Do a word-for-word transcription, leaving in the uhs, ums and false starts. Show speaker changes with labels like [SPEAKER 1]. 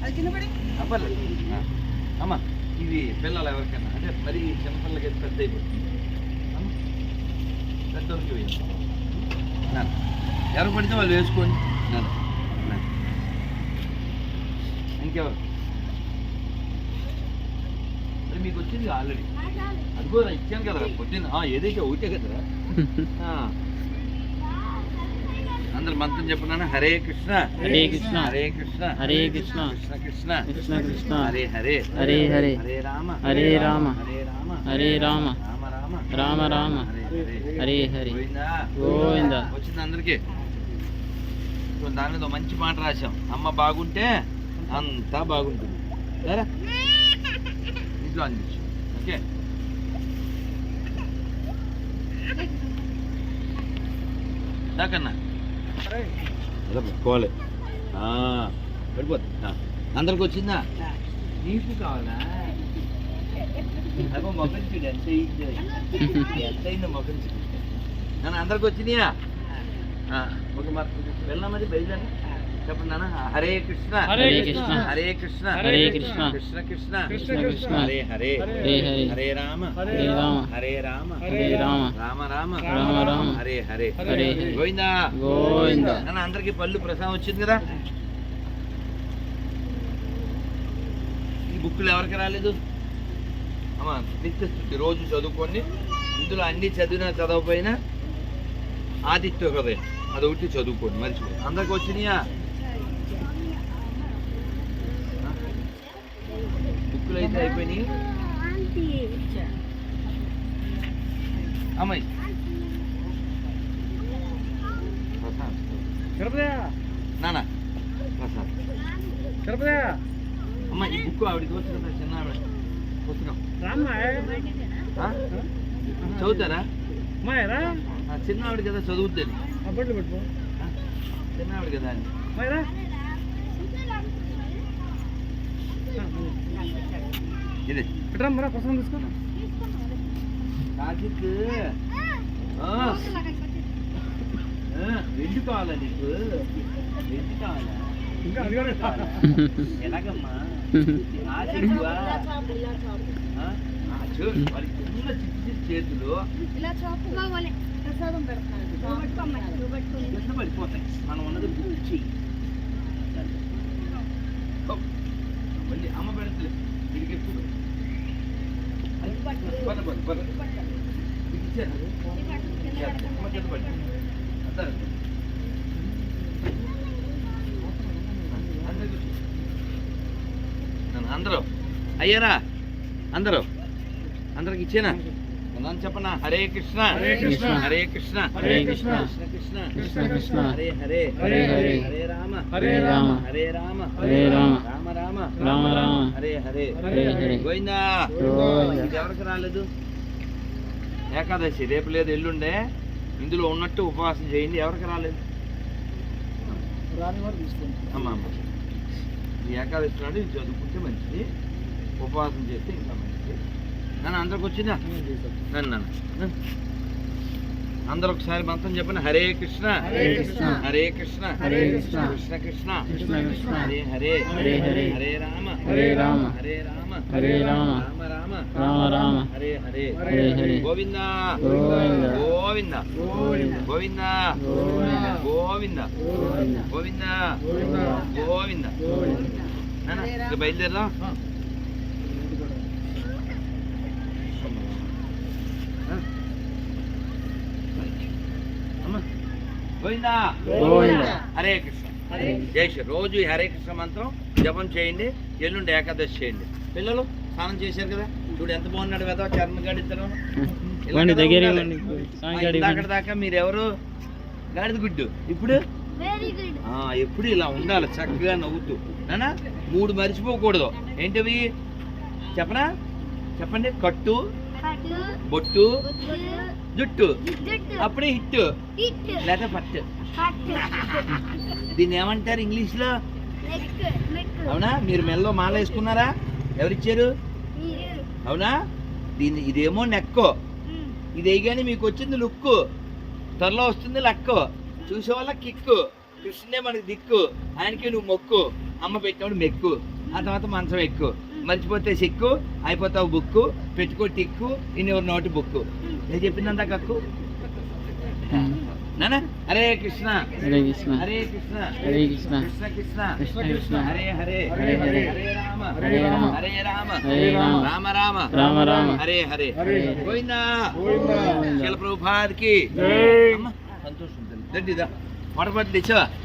[SPEAKER 1] పర్లేదు అమ్మ. ఇవి పిల్లలు ఎవరికైనా అంటే మరి చిన్నపిల్లలకి అయితే పెద్ద అయిపోతుంది. పెద్దోళ్ళకి వేయండి. ఎవరు పడితే వాళ్ళు వేసుకోండి. ఇంకెవరు మరి మీకు వచ్చింది ఆల్రెడీ అది కూడా ఇచ్చాను కదరా పొద్దున్న. ఏదైతే ఒకటే కదరా. అందరు మంత్రం చెప్పున్నాను. హరే కృష్ణ
[SPEAKER 2] హరే కృష్ణ
[SPEAKER 1] హరే కృష్ణ
[SPEAKER 2] హరే కృష్ణ
[SPEAKER 1] కృష్ణ కృష్ణ
[SPEAKER 2] కృష్ణ కృష్ణ
[SPEAKER 1] హరే హరే
[SPEAKER 2] హరే హరే
[SPEAKER 1] హరే రామ
[SPEAKER 2] హరే రామ
[SPEAKER 1] హరే రామ
[SPEAKER 2] హరే రామ
[SPEAKER 1] రామ రామ
[SPEAKER 2] రామ రామ హరే హరే గోవింద.
[SPEAKER 1] వచ్చింది అందరికి. దాని మీద మంచి మాట రాశాం. అమ్మ బాగుంటే అంతా బాగుంటుంది. సరే ఇంట్లో అందించు. ఓకే దాకన్నా పెట్టుకోవాలి. పడిపోతుంది. అందరికి వచ్చిందా? నీకు కావాలా? అబ్బో మొక్కలు ఎంత ఎంత అయిందో మొక్కలు. నన్ను అందరికి వచ్చినాయా? ఒక మరి వెళ్ళామది బయలుదేరి చెప్పండి నాన్న. హరే కృష్ణ
[SPEAKER 2] హరే కృష్ణ
[SPEAKER 1] హరే కృష్ణ
[SPEAKER 2] హరే కృష్ణ
[SPEAKER 1] కృష్ణ కృష్ణ
[SPEAKER 2] కృష్ణ కృష్ణ
[SPEAKER 1] హరే హరే
[SPEAKER 2] హరే హరే
[SPEAKER 1] హరే రామ
[SPEAKER 2] హరే రామ
[SPEAKER 1] హరే రామ
[SPEAKER 2] హరే రామ
[SPEAKER 1] రామ రామ
[SPEAKER 2] రామ రామ
[SPEAKER 1] హరే హరే
[SPEAKER 2] హరే హరే
[SPEAKER 1] గోవిందా
[SPEAKER 2] గోవింద.
[SPEAKER 1] నాన్న అందరికి పళ్ళు ప్రసాదం వచ్చింది కదా. ఈ బుక్కులు ఎవరికి రాలేదు? అమ్మా నిత్యస్థుతి రోజు చదువుకోండి. ఇందులో అన్ని చదివినా చదవకపోయినా ఆదిత్య హృదయం అదొకటి చదువుకోండి. మర్చిపోయి అందరికి వచ్చినాయా? బుక్కులు అయితే అయిపోయినాయి. అమ్మాయి నాన్న ప్రసాద్ అమ్మ ఈ బుక్ ఆవిడకి వచ్చు కదా చిన్న ఆవిడ పుస్తకం చదువుతారా? చిన్న ఆవిడ కదా చదువుద్దని. చిన్న ఆవిడ కదా అని ఇది
[SPEAKER 2] ప్రసాదం తీసుకో.
[SPEAKER 1] కార్తీక్ వెండి కావాలా నీకు? వెండి కావాలా? ఎలాగమ్మా? చిన్న చిన్న చేతులు పడిపోతాయి. మనం ఉన్నది బుక్ చెయ్యి. మళ్ళీ అమ్మ పెడతలే వీడికి ఎప్పుడు అందరూ అయ్యారా? అందరూ అందరికి ఇచ్చేనా? నన్ను చెప్పనా? హరే కృష్ణ
[SPEAKER 2] హరే కృష్ణ
[SPEAKER 1] హరే కృష్ణ
[SPEAKER 2] హరే కృష్ణ
[SPEAKER 1] కృష్ణ కృష్ణ
[SPEAKER 2] కృష్ణ కృష్ణ
[SPEAKER 1] హరే హరే
[SPEAKER 2] హరే హరే
[SPEAKER 1] హరే రామ
[SPEAKER 2] హరే రామ
[SPEAKER 1] హరే రామ
[SPEAKER 2] హరే రామ
[SPEAKER 1] రామ రామ
[SPEAKER 2] రామ రామ
[SPEAKER 1] హరే హరే
[SPEAKER 2] హరే హరే
[SPEAKER 1] గోవిందా.
[SPEAKER 2] గోవింద.
[SPEAKER 1] ఇది ఎవరికి రాలేదు? ఏకాదశి రేపు లేదు ఎల్లుండే. ఇందులో ఉన్నట్టు ఉపవాసం చేయండి. ఎవరికి రాలేదు? అమ్మ అమ్మ ఈ ఏకాదశి నాడు ఇది చదువుకుంటే మంచిది. ఉపవాసం చేస్తే ఇంకా మంచిది. నన్ను అందరికి వచ్చిందా? నన్ను నన్ను అందరూ ఒకసారి మంత్రం చెప్పండి. హరే కృష్ణ
[SPEAKER 2] హరే కృష్ణ
[SPEAKER 1] హరే కృష్ణ
[SPEAKER 2] హరే కృష్ణ
[SPEAKER 1] కృష్ణ కృష్ణ
[SPEAKER 2] కృష్ణ కృష్ణ
[SPEAKER 1] హరే హరే
[SPEAKER 2] హరే హరే
[SPEAKER 1] హరే రామ
[SPEAKER 2] హరే రామ
[SPEAKER 1] హరే రామ
[SPEAKER 2] హరే రామ
[SPEAKER 1] రామ రామ
[SPEAKER 2] రామ రామ
[SPEAKER 1] హరే హరే
[SPEAKER 2] హరే హరే
[SPEAKER 1] గోవింద
[SPEAKER 2] గోవింద
[SPEAKER 1] గోవింద
[SPEAKER 2] గోవింద
[SPEAKER 1] గోవింద
[SPEAKER 2] గోవింద
[SPEAKER 1] గోవింద
[SPEAKER 2] గోవింద
[SPEAKER 1] గోవింద గోవింద నాన్న ఇక బయలుదేరదా? గోవిందా
[SPEAKER 2] గోవింద.
[SPEAKER 1] హరే కృష్ణ జై శ్రీ. రోజు ఈ హరే కృష్ణ మంత్రం జపం చేయండి. ఎల్లుండి ఏకాదశి చేయండి. పిల్లలు స్నానం చేశారు కదా? చూడు ఎంత బాగున్నాడు కదా చర్మ గడిద్దరు. అక్కడ దాకా మీరు ఎవరు గాడిద గుడ్డు. ఇప్పుడు ఎప్పుడు ఇలా ఉండాలి చక్కగా నవ్వుతూ. నానా మూడు మర్చిపోకూడదు. ఏంటవి చెప్పనా? చెప్పండి. కట్టు, బొట్టు, జుట్టు. అప్పుడే హిట్ లేదా పట్టు. దీన్ని ఏమంటారు ఇంగ్లీష్ లో? అవునా? మీరు మెల్లో మాల వేసుకున్నారా? ఎవరిచ్చారు? అవునా? దీన్ని ఇదేమో నెక్కో. ఇది వేయగానే మీకు వచ్చింది లుక్కు. త్వరలో వస్తుంది లక్కు. చూసే వాళ్ళ కిక్కు. కృష్ణే మనకి దిక్కు. ఆయనకి నువ్వు మొక్కు. అమ్మ పెట్టినప్పుడు మెక్కు, ఆ తర్వాత మంచం ఎక్కు, మర్చిపోతే సిక్కు, అయిపోతావు బుక్కు, పెట్టుకో టిక్కు, ఇన్ని నోటి బుక్కు. నేను చెప్పిందంతా కక్కు నానా. హరే కృష్ణ
[SPEAKER 2] హరే కృష్ణ
[SPEAKER 1] హరే కృష్ణ
[SPEAKER 2] హరే కృష్ణ
[SPEAKER 1] కృష్ణ కృష్ణ
[SPEAKER 2] కృష్ణ కృష్ణ
[SPEAKER 1] హరే హరే
[SPEAKER 2] హరే హరే
[SPEAKER 1] హరే రామ
[SPEAKER 2] హరే రామ
[SPEAKER 1] హరే రామ
[SPEAKER 2] హరే రామ
[SPEAKER 1] రామ రామ
[SPEAKER 2] రామ రామ
[SPEAKER 1] హరే హరే
[SPEAKER 2] హరే
[SPEAKER 1] గోవిందా
[SPEAKER 2] గోవిందా.
[SPEAKER 1] శిల ప్రభుపాదికి
[SPEAKER 2] జై.
[SPEAKER 1] అమ్మ సంతోషం దండిదా వడపట్టు తెచ్చావా